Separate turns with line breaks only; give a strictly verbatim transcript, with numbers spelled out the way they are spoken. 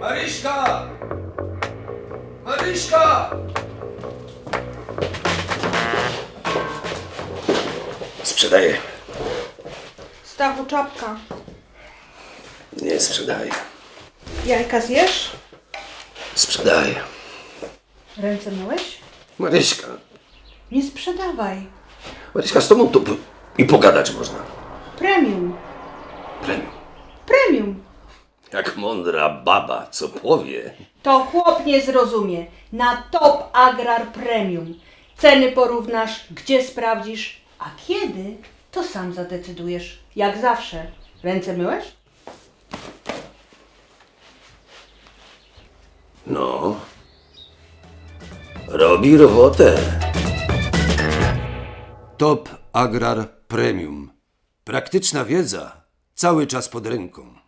Maryśka! Maryśka! Sprzedaję.
Stachu, czapka.
Nie sprzedaję.
Jajka zjesz?
Sprzedaję.
Ręce myłeś?
Maryśka.
Nie sprzedawaj.
Maryśka, z tobą tu i pogadać można.
Premium.
Premium.
Premium.
Jak mądra baba, co powie.
To chłop nie zrozumie. Na Top Agrar Premium. Ceny porównasz, gdzie sprawdzisz, a kiedy, to sam zadecydujesz. Jak zawsze. Ręce myłeś?
No. Robi robotę.
Top Agrar Premium. Praktyczna wiedza cały czas pod ręką.